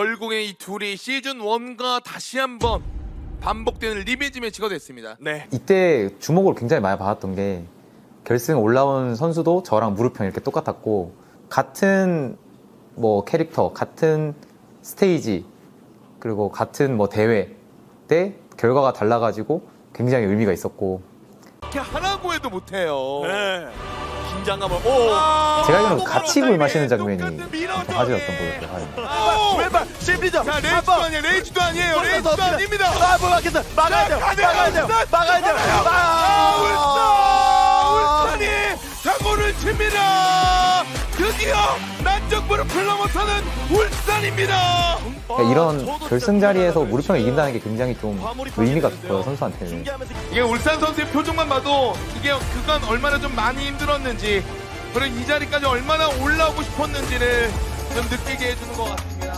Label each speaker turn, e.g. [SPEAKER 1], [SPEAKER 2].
[SPEAKER 1] 결국에 이 둘이 시즌 1과 다시 한번 반복되는 리벤지 매치가 됐습니다.
[SPEAKER 2] 네.
[SPEAKER 3] 이때 주목을 굉장히 많이 받았던 게 결승 올라온 선수도 저랑 무릎형 이렇게 똑같았고 같은 뭐 캐릭터, 같은 스테이지 그리고 같은 뭐 대회 때 결과가 달라가지고 굉장히 의미가 있었고
[SPEAKER 1] 이렇게 하라고 해도 못해요.
[SPEAKER 2] 네. 긴장감을. 오.
[SPEAKER 3] 제가 알기로는 같이 물 마시는 장면이
[SPEAKER 1] 똑같은 밀어줘.
[SPEAKER 3] 좀 화제였던 거였어요.
[SPEAKER 2] 왼발 심리전.
[SPEAKER 1] 자, 레이즈도 아니에요. 레이즈도 아니에요. 레이즈도 아닙니다.
[SPEAKER 2] 아, 뭐 막겠어. 막아야 돼요. 막아야 돼요. 막아야 돼요.
[SPEAKER 1] 울산이 사고를 칩니다. 드디어 난적부를 풀러못하는 울산입니다.
[SPEAKER 3] 그러니까 이런 결승 자리에서 무릎형을 이긴다는 게 굉장히 좀 의미가 깊어요, 선수한테는.
[SPEAKER 1] 이게 울산 선수의 표정만 봐도 이게 그간 얼마나 좀 많이 힘들었는지 그리고 이 자리까지 얼마나 올라오고 싶었는지를 좀 느끼게 해주는 것 같습니다.